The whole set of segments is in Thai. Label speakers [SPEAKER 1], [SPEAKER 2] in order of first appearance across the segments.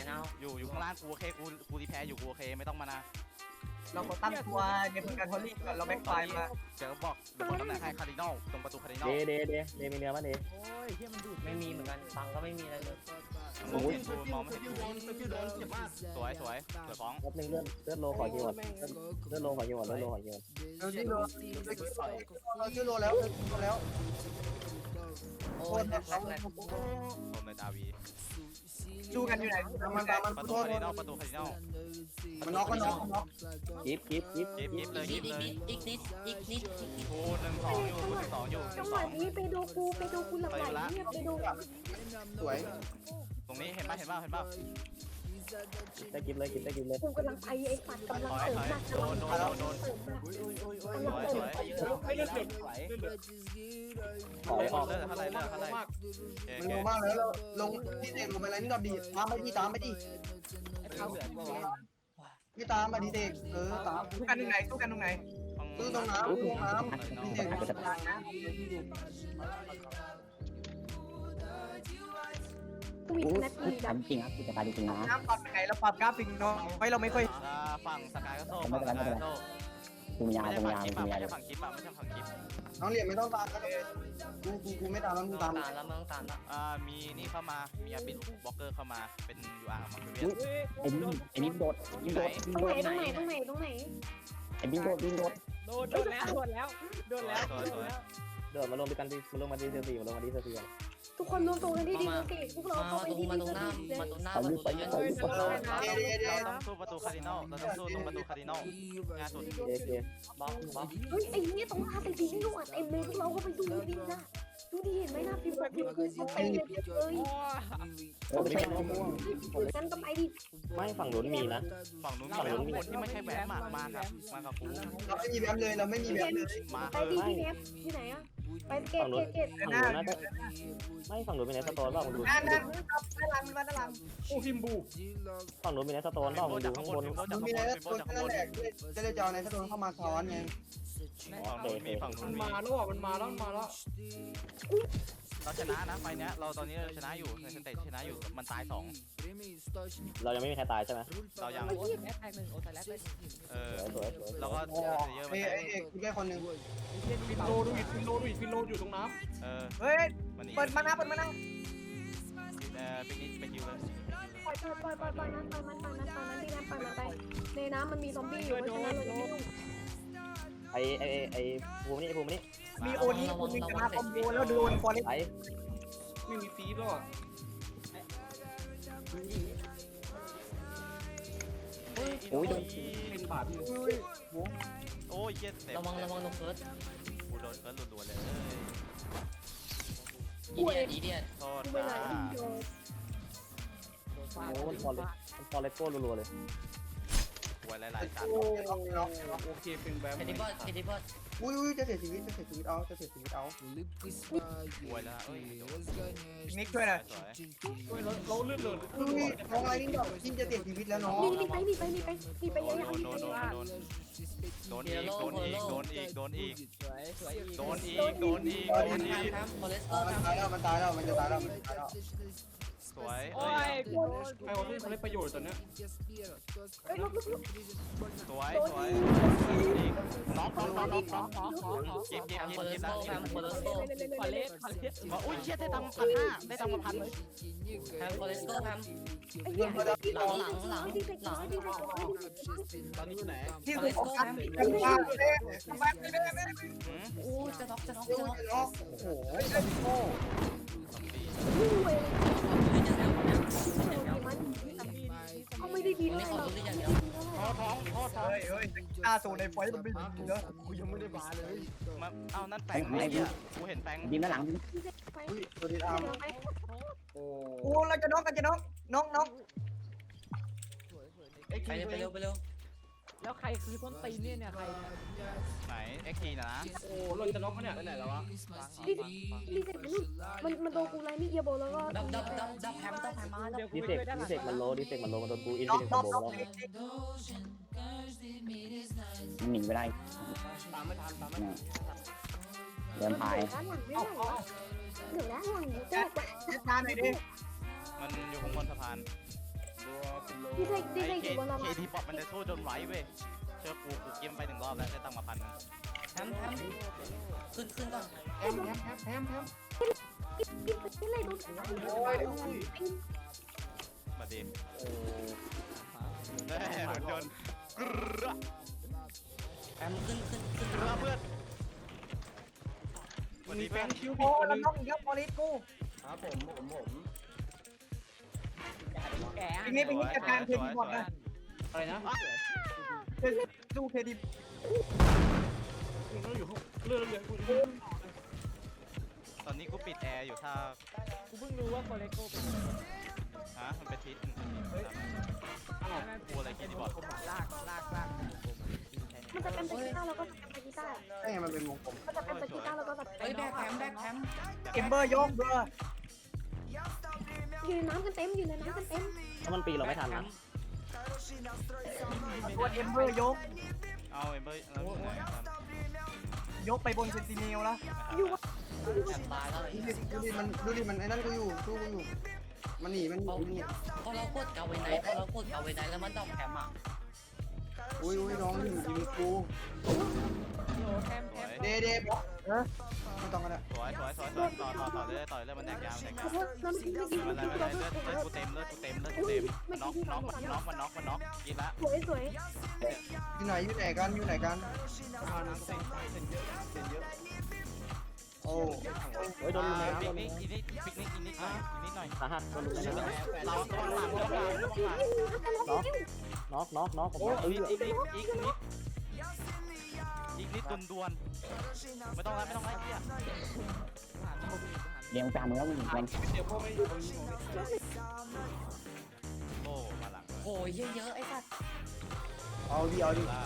[SPEAKER 1] นาว
[SPEAKER 2] อยู่ข้างล่างกูโอเคกูรีแพร์อยู่กูโอเคไม่ต้องมานะ
[SPEAKER 3] เราขอตั้งตัวในพื้นการทอลลี่ก่อนเราแบ็คไฟมา
[SPEAKER 2] เดี๋ยวบอกตำแหน่งให้คาร์ดินอลตรงประตูคาร์ดินอล
[SPEAKER 4] เดมีเนื้อป่ะเด
[SPEAKER 5] โอ้ยเฮียมันดูด
[SPEAKER 1] ไม่มีเหมือนกันฟังก็ไม่มีอะไรเลย
[SPEAKER 2] มองไม่เห็นสวยฟ้อง
[SPEAKER 4] รอบนึงเลือดโลขอคิวก่อนเลือดโลขอคิวก่อน
[SPEAKER 3] เราชื่อโลแล้ว
[SPEAKER 1] โอ้ยแรก
[SPEAKER 2] ผมในดาวี
[SPEAKER 3] สู้กันอยู่ไหนมัน
[SPEAKER 2] ประตูคาร์ดินอล
[SPEAKER 3] มันน็อก
[SPEAKER 4] กิฟ
[SPEAKER 2] เลย
[SPEAKER 1] อีกนิด
[SPEAKER 2] กู1-2อยู่
[SPEAKER 6] จังหวะนี้ไปดูกูหลังไหลเนี่ยไปดู
[SPEAKER 3] สวย
[SPEAKER 2] ตรงนี้เห็นป่ะ
[SPEAKER 4] ได้กิฟเลย
[SPEAKER 6] กูกำลังไปไอ้ปัดกำลังเสริมหนัก
[SPEAKER 2] โดนสวย
[SPEAKER 3] ไม่เลือดเก็บ
[SPEAKER 4] ถอยออก
[SPEAKER 2] เท่าไร
[SPEAKER 3] มันโง่มากแล้วลงที่เด็กลงไปแล้วนี่เราดีตามไปดิพี่ตามมาดิเด็กตามทุกกันตรงไหนตู้ตรงน้ำพี่เด็ก
[SPEAKER 6] กูมีแนทมีดับ
[SPEAKER 4] จริงครับกูจะตายจริงนะ
[SPEAKER 3] น้ำปรับไหนเราปรับกราฟิกเนาะเราไม่ค่อย
[SPEAKER 2] ฝั่งสกายก็โซ่
[SPEAKER 4] กูมียา
[SPEAKER 2] ไม่ใช่ฝั่งคลิปไม่ใช่ฝั่งคลิป
[SPEAKER 3] น้องเหรียญไม่ต้องตามก็เลยกูไม่ตามแล้วมึงตาม
[SPEAKER 1] แล้วมึงตามแล้ว
[SPEAKER 2] มีนี่เข้ามามีอาบินบล็อกเกอร์เข้ามาเป็น UR มาเป็นเวียน
[SPEAKER 4] ไอ้บิ๊กโดด
[SPEAKER 6] ตรงไหน
[SPEAKER 4] ไอ้บิ๊กโดด
[SPEAKER 5] โดนแล้ว
[SPEAKER 4] เดินมาลงด้วยกันดิมาลงมาดีเซอร์ซีกัน
[SPEAKER 6] ทุกคนรวมตัวกันที่ดีเก่งพวกเราเข้าไปที่
[SPEAKER 1] มาตรงหน้าประตูเยอะ
[SPEAKER 2] เราต้องสู้ประตูคาร์ดินอลเราต้องสู้ตรงประตูคาร์ดินอลงานสุด
[SPEAKER 1] บล็อก
[SPEAKER 6] เฮ้ยไอ้เนี่ยตรงหน้าไปดีนี่หนวดเต็มเลยพวกเราก็ไปดูดีนะดูดีเห็นไหมนะพิมพ์คือเขาไปเลย
[SPEAKER 4] ไม่ใช่ม่วง
[SPEAKER 6] กันก็ไปดิ
[SPEAKER 4] ไม่ฝั่งนู้นมีนะ
[SPEAKER 2] ฝั่งนู้นมีคนที่ไม่ใช่แหวนมากับกู
[SPEAKER 3] เราไม่มีแบบเลยเราไม่มีแบบเลย
[SPEAKER 6] ไปดีที่เนฟที่ไหนอะไปเกต
[SPEAKER 4] ไม่ฝั่งนู้นมีในสโตนบ้างมึงดู
[SPEAKER 3] ด้านหลังโอ้ฮิมบู
[SPEAKER 4] ฝั่งนู้นมีในสโตนบ้างมึงดูข้างบน
[SPEAKER 3] มีในสโตนนั่นแหละจะได้จอในสโตนเข้ามาซ้อนไง
[SPEAKER 2] ฝั่งนู้นมี
[SPEAKER 5] มันมาแล้ว
[SPEAKER 2] เราชนะนะไฟเนี้ยเราตอนนี้เราชนะอยู่ในสเตจชนะอยู่มันตาย2
[SPEAKER 4] เรายังไม่มีใครตายใช่ไหม
[SPEAKER 2] เรายัง
[SPEAKER 5] แอคหนึ่งโอ้แต่แรกเลย
[SPEAKER 2] เราก็เยอะไป
[SPEAKER 3] ไอ้เอกแค่คนหนึ่ง
[SPEAKER 5] ฟินโลอยู่ตรงน้ำ
[SPEAKER 3] เฮ้ยเปิดมานะปิกนิก
[SPEAKER 2] ไปคิวเลย
[SPEAKER 6] ปล่อยนั้นที่น้ำไปในน้ำมันมีซอมบี้อยู่เพราะฉะนั้นเราจะไม่ยุ่ง
[SPEAKER 4] ไอ้ภูมินี่
[SPEAKER 3] มีโอนี้คุณมีกระคอมโบแล้วโดนฟอร์เรส
[SPEAKER 4] ไอ้
[SPEAKER 5] ไม่มีฟีดหรอ
[SPEAKER 4] โอ้ยโดน
[SPEAKER 5] เป็นบาทอยู่
[SPEAKER 2] โอ้ยเย็ดเต็ม
[SPEAKER 1] ระวังลงเฟิร์ส
[SPEAKER 2] กูโดนเฟิร์สรัวๆเลย
[SPEAKER 1] อีเดียด
[SPEAKER 2] โทษ
[SPEAKER 6] เวลาที่โดน
[SPEAKER 4] โอ้ฟอร์เรสโก้รัวๆเลย
[SPEAKER 2] หวยหลายๆชั้น
[SPEAKER 5] โอเคเป็นแบบ
[SPEAKER 1] เคดิบอส
[SPEAKER 3] อุ้ยจะเสียชีวิตเอา
[SPEAKER 2] หวยแล้วเอ้ย
[SPEAKER 3] นิกช่วยหน่อย
[SPEAKER 5] เราเลื่อนเลย
[SPEAKER 3] น้องอะไรนี่ดอกจินจะเสียชีวิตแล้วน้อง
[SPEAKER 6] มีไปเยอะๆ
[SPEAKER 2] โดนอีก
[SPEAKER 5] สวย
[SPEAKER 3] มันตายแล้วมันจะตายแล้ว
[SPEAKER 2] สวย
[SPEAKER 5] โอ้ยใครว่าที่เขาได้ประโยชน์ตอนนี้
[SPEAKER 2] สวยน้องเก็บ
[SPEAKER 1] โคเลสโก้
[SPEAKER 2] อุ้ยเชี่ยได้ตังค์1,500ได้ตังค์มา1,000
[SPEAKER 1] โคเลสโก้หลัง
[SPEAKER 5] ตอนนี้อยู่ไหน
[SPEAKER 3] ที่สุดของกัน
[SPEAKER 1] โอ้จะน็อก
[SPEAKER 3] โอ้โห
[SPEAKER 6] เขาไม่ได้ดีเลย
[SPEAKER 1] ขอรู้อย่างเดียว
[SPEAKER 3] เฮ้ยตาสูในไฟมันไม่ดีเนอะกูยังไม่ได้มาเลย
[SPEAKER 2] เอานั่นแปงไอ้เหี้ยกูเห็นแปง
[SPEAKER 4] ยิงด้านหลัง
[SPEAKER 3] ตัวดีอาร์มโอ้เราจะน้อง
[SPEAKER 1] ไปเร็ว
[SPEAKER 5] แล้วใครคือต้นตีนเนี่ยใคร
[SPEAKER 2] ไหน XT นะ
[SPEAKER 5] โอ้เราจะน็อกเขาเนี่ยไปไหนแล้ววะ
[SPEAKER 6] รีเซ็ตมันโดนกูไล่นี่เอียโบแล้วก็
[SPEAKER 1] ดับแฮมมาแล้ว
[SPEAKER 4] ดิเซกมันโลมันโดนกูอิน
[SPEAKER 3] น้
[SPEAKER 4] ฟิ
[SPEAKER 3] อง
[SPEAKER 4] นิตี้โบแล้วหนีไม่ได้
[SPEAKER 5] ตามไม่ทัน
[SPEAKER 4] เดินพาย
[SPEAKER 6] ด้านหลังไม่ได้เหลือด้านหลังเจ๊ก
[SPEAKER 3] ทานหน่อยดิ
[SPEAKER 2] มันอยู่ข้างบนสะพาน
[SPEAKER 6] พี่เทค
[SPEAKER 2] ไอ้
[SPEAKER 6] อยู่บนเรา
[SPEAKER 2] เคทีป๊อปมันจะสู้จนไหวเว้ยเชื่อกูเกมไป1 รอบแล้วได้ตังค์มา1,000
[SPEAKER 1] แฮมขึ้นก่อน
[SPEAKER 5] แฮม
[SPEAKER 6] พี่เลยโดน
[SPEAKER 2] มาดิได้เหมือนจนกระ
[SPEAKER 1] แฮมขึ้น
[SPEAKER 2] กระเพื่อนวันนี้
[SPEAKER 5] แฟ
[SPEAKER 2] เพื่อน
[SPEAKER 5] นคิว
[SPEAKER 3] โอ้
[SPEAKER 5] ผิด
[SPEAKER 3] แล้ว
[SPEAKER 5] นึง
[SPEAKER 3] น้องอีกแล้วบอลิสกู
[SPEAKER 5] ครับผม
[SPEAKER 3] ปีนี้จัดการเครดิตหมดนะ
[SPEAKER 5] อะไรนะ
[SPEAKER 3] ดูเครดิต
[SPEAKER 5] เราอยู่เรื่องกู
[SPEAKER 2] ตอนนี้กูปิดแอร์อยู่ถ้า
[SPEAKER 7] กูเพิ่งรู้ว่าโคเลโก้เป็น
[SPEAKER 2] ฮะมันเป็นทิศกูอะไรกินบอด
[SPEAKER 7] ลาก
[SPEAKER 6] มันจะเป็นไปกีตาร์แล้วก็ไปกีตาร์
[SPEAKER 3] ใช่มันเป็นวงกลม
[SPEAKER 6] มันจะเป็นไปกีตาร์แล้วก็แบบ
[SPEAKER 1] เฮ้ยแบกแฮม
[SPEAKER 3] เอมเบอร์ยกเบอร์
[SPEAKER 6] อยู่ในน้ำกันเต็มอยู่ในน้ำกันเต็ม
[SPEAKER 4] ถ้ามันปีเราไม่ทันนะ
[SPEAKER 3] ตัวเอมเบอร์ยก
[SPEAKER 2] เอาเอ็มเบอร์แล้วอยู่ไหน
[SPEAKER 3] ยกไปบนเซนติเนลแล้ว
[SPEAKER 6] อยู่วะ
[SPEAKER 1] แฮมตายแล้ว
[SPEAKER 3] ดูดิมันไอ้นั่นกูอยู่สู้กูอยู่มันหนีมันหนี
[SPEAKER 1] พอเรากดเกาไว้ไหนแล้วมันดอกแฮมอ่ะ
[SPEAKER 3] อุ้ยน้องอยู่ยิงกู
[SPEAKER 7] โอ้แทม
[SPEAKER 3] เดบอกไม่ต้องกันละ
[SPEAKER 2] สวยต่อเลยมันแดกยาว
[SPEAKER 6] ขอโทษน้ำพริกไม่กิน
[SPEAKER 2] มัน
[SPEAKER 6] ไม่
[SPEAKER 2] อะไร
[SPEAKER 6] กิน
[SPEAKER 2] เลือดกูเต็มน็อกมันน็อกกินละ
[SPEAKER 6] สวย
[SPEAKER 3] อยู่ไหนกันโอ้
[SPEAKER 4] เฮ้ยโดนลุมแล้ว
[SPEAKER 2] ปิ
[SPEAKER 4] โด
[SPEAKER 2] ก
[SPEAKER 4] น
[SPEAKER 2] นิ
[SPEAKER 4] ลุ
[SPEAKER 2] ก
[SPEAKER 4] ม
[SPEAKER 2] อีกนิดหน่อย
[SPEAKER 4] สาหัสโดนลุมแล้ว
[SPEAKER 2] เราตัวหลัง
[SPEAKER 4] น็อกผม
[SPEAKER 2] อีกนิดดวนไม่ต้องไล่เพี้ย
[SPEAKER 7] เลี้ยงจานแล้วมึงมัน
[SPEAKER 5] เดี๋ยวพวกไม่
[SPEAKER 2] โอ้มาหลัง
[SPEAKER 1] โอ้ยเยอะไอ้สัตว์
[SPEAKER 3] เอาดิ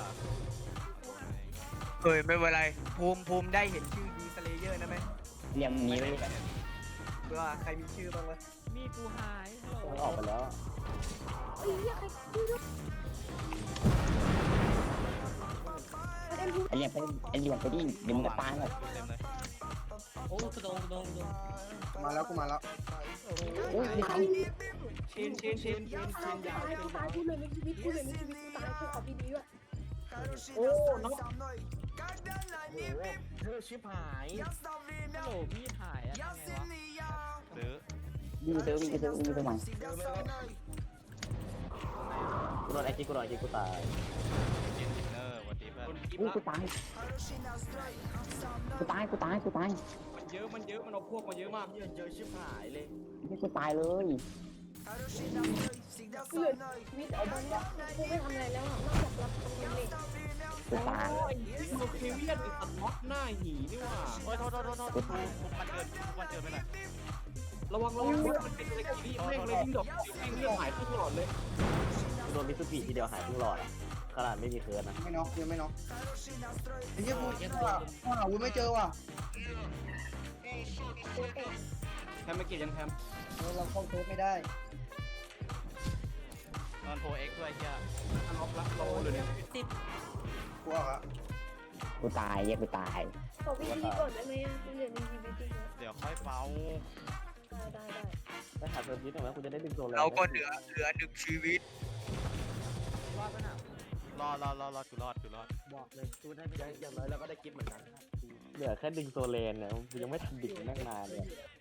[SPEAKER 3] เฮ้ยไม่เป็นไรภูมิได้เห็นชื่อดีสเลเยอร์นะไหม
[SPEAKER 7] เลี้ยงนี้ไว้
[SPEAKER 3] เบื่อใครมีชื่อบ้างวะ
[SPEAKER 7] มีกูหาย
[SPEAKER 4] มันออกไปแล้ว
[SPEAKER 6] ไอ้เหี้ยใครชื่อด้วยเอ็ม
[SPEAKER 7] ไอเลี้ยงไปดิเดี๋ยวมึงก็ตายหมด
[SPEAKER 2] เต็มเลย
[SPEAKER 1] โอ้กระโดด
[SPEAKER 3] มาแล้วกูมาแล้ว
[SPEAKER 7] อุ้ยไม่ทัน
[SPEAKER 5] เชนยาว
[SPEAKER 6] กูตายกูเลยในชีวิตกูตายกูขอพี่ดีด้วย
[SPEAKER 5] โอ้น้องเธอชิบหาย
[SPEAKER 7] โหพี่หายอะทำไงวะ
[SPEAKER 2] หรือ
[SPEAKER 7] วิ่งไปซื้อใหม่
[SPEAKER 4] กูโดนไอ้กิ๊กกูตาย
[SPEAKER 2] กินดินเนอร์วันนี้เพื่อน
[SPEAKER 7] อุ้ยกูตาย
[SPEAKER 5] มันเยอะมันเอาพวกมาเยอะมากเยอะชิบหายเลย
[SPEAKER 7] ไม่กูตายเลย
[SPEAKER 6] กูเลยชีวิตเอาบ้านกูไม่ทำอะไรแล้วอ่ะนอกจากรับทำเล็ก
[SPEAKER 7] กูตาย
[SPEAKER 5] โอ้ยโลเคเวียนไอ้สัตว์ม็อกหน้าหีนี่ว่า
[SPEAKER 2] โอ้ยโทษมันเกินไปหน่อย
[SPEAKER 5] ระวังมันเป็นอะไรกันนี่แม่งเลยดิ้งดอกแม่งเลือดหายทุกหลอดเลย
[SPEAKER 4] กูโดนมิสซูบิทีเดียวหายทั้งหลอดอ่ะขนาดไม่มีเคิร์นนะ
[SPEAKER 3] ไม่น็อกยังไม่น็อกไอ้เหี้ยกูหาวุ้ไม่เจอว่ะ
[SPEAKER 5] แฮมไม่เก็บยังแฮม
[SPEAKER 3] เราเข้าเซิร์ฟไม่ได้
[SPEAKER 2] นอนโทรเอ็กด้วยเฮีย
[SPEAKER 5] ล็อกละโลเลยเนี่ย
[SPEAKER 3] กูเอาละ
[SPEAKER 7] กูตายกูตาย
[SPEAKER 6] ขอพี่ดีก่อนได้ไหมอ่ะกูเหลือในชีวิตจริง
[SPEAKER 2] เดี๋ยวค่อยเฝ้า
[SPEAKER 6] ได้
[SPEAKER 4] ไปหาเซิร์ฟนิดหน่อยว่ากูจะได้ดึงโซน
[SPEAKER 3] เราก็เหลือหนึ่งชีวิต
[SPEAKER 7] รอดปะน่ะ
[SPEAKER 2] รอกูรอด
[SPEAKER 7] บอกเลยกูได้ไม่ได้
[SPEAKER 5] อย่างน้อยเราก็ได้กิฟต์เหมือนกัน
[SPEAKER 4] เหลือแค่ดึงโซเลนเนี่ยกูยังไม่ทันดึงแม่งนานเลย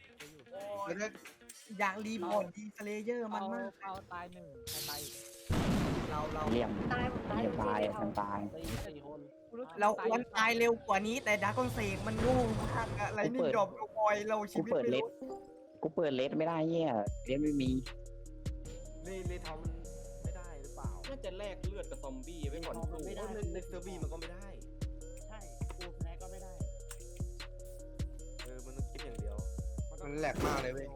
[SPEAKER 3] อยากรีพอร์ตดีสเลเยอร์มันมาก
[SPEAKER 7] เอาตายหนึ่งตาย
[SPEAKER 3] เรา
[SPEAKER 7] เลี้ยง
[SPEAKER 6] ตาย
[SPEAKER 7] ตายมันตาย
[SPEAKER 5] 4 คน
[SPEAKER 3] เราวันตายเร็วกว่านี้แต่ดาร์กอนเซกมันโง่มากอะไรนี่ดรอปลงบอยเราชี
[SPEAKER 7] กู
[SPEAKER 3] วิต
[SPEAKER 7] เปิด
[SPEAKER 3] ไม่
[SPEAKER 7] เลส
[SPEAKER 3] รู้
[SPEAKER 7] กูเปิดเลสไม่ได้เหี้ยเลสไม่มี
[SPEAKER 5] เลยทำไม่ได้หรือเปล่าน่าจะแลกเลือดกับซอมบี้ไว้ก่อนไม่ได้ในเซอร์บี้มันก็ไม่ได้
[SPEAKER 7] ใช่กูแพ้ก็ไม่ได้
[SPEAKER 5] มันต้องกิฟต์อย่างเดียว
[SPEAKER 3] มันแหลกมากเลยเว้ย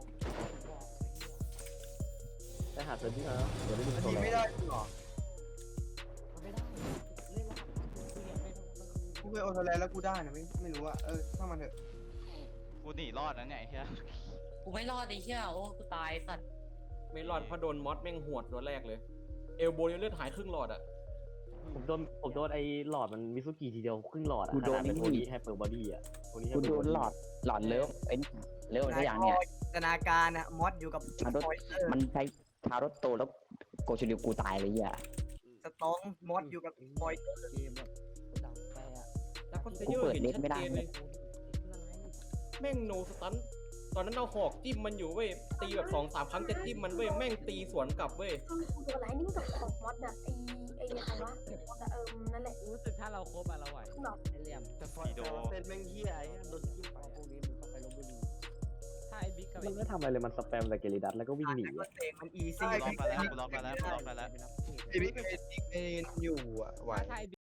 [SPEAKER 4] ไปหาเซิร์ฟนิดหน่อยนะเดี๋ยวได้ดึง
[SPEAKER 3] มัน
[SPEAKER 4] โซ
[SPEAKER 3] ยิง
[SPEAKER 4] เล
[SPEAKER 3] ไม่
[SPEAKER 4] น
[SPEAKER 3] ได้หรอ
[SPEAKER 7] ไม่ได้เล่นแล้วกูเรียนไม่ต้อง
[SPEAKER 3] กูเคยโอโทแลนแล้วกูได้นะไม่รู้อะถ้ามันเถอะ
[SPEAKER 2] กูหนีรอดนะเนี่ยไอ้เฮีย
[SPEAKER 1] กูไม่รอดไอ้เหี้ยโอ้กูตายสัตว์
[SPEAKER 5] ไม่รอดเพราะโดนมอสแม่งหวดตัวแรกเลย เอลโบยังเลือดหายครึ่งหลอดอ่ะ
[SPEAKER 4] ผมโดนไอ้หลอดมันมิสซูกิทีเดียวครึ่งหลอดอ่ะขนาดเป็นโทนี่ไฮเปอร์บอดี้อ่ะโทนี่ไฮ
[SPEAKER 7] กู
[SPEAKER 4] เปอ
[SPEAKER 7] โด
[SPEAKER 4] ร์บอน ดี้
[SPEAKER 7] หลอดเลิฟไอ้เลิฟทุกอย่างเนี่ย
[SPEAKER 3] จินตนาการอะมอสอยู่กับ
[SPEAKER 7] มันใช้ทารถโตแล้ว
[SPEAKER 8] โกชูริวกูตายเลยอ่ะ
[SPEAKER 3] สตองมอสอยู่กับปอย
[SPEAKER 7] เกมแบบดังไปอ่ะ
[SPEAKER 5] แล้วก็เยอะเห็นชัดเจนเลยแม่งโนสตันตอนนั้นเราหอกจิ้มมันอยู่เว้ยตีแบบ2-3 ครั้งจะจิ้มมันเว้ยแม่งตีสวนกลับเว้ย
[SPEAKER 6] ตัวอะไรนี่กับของมอสอะไอ้อะไรวะมอสอะนั่นแหละ
[SPEAKER 1] รู้สึกถ้าเราครบอะเราไหว
[SPEAKER 6] แบบ
[SPEAKER 1] ไอเหลี่ยม
[SPEAKER 5] แต่ฟอยเต้นแม่งเฮียไอ้โดนจิ้มไป
[SPEAKER 7] พวกนี้มึงต้องไปลบบุรี
[SPEAKER 1] ถ้าไอบิ๊กกับ
[SPEAKER 4] มันไม่ทำอะไรเลยมันสแปมแต่เกลิดัสแล้วก็วิ่งหนี
[SPEAKER 3] ก็
[SPEAKER 4] อะ
[SPEAKER 3] เตะมันอีซี่
[SPEAKER 2] ล็อกไปแล้วล็อกไปแล้วล็อกไปแล้ว
[SPEAKER 3] พี่บิ๊กเอ็นอยู่อ่ะไหว
[SPEAKER 1] ถ้าไอ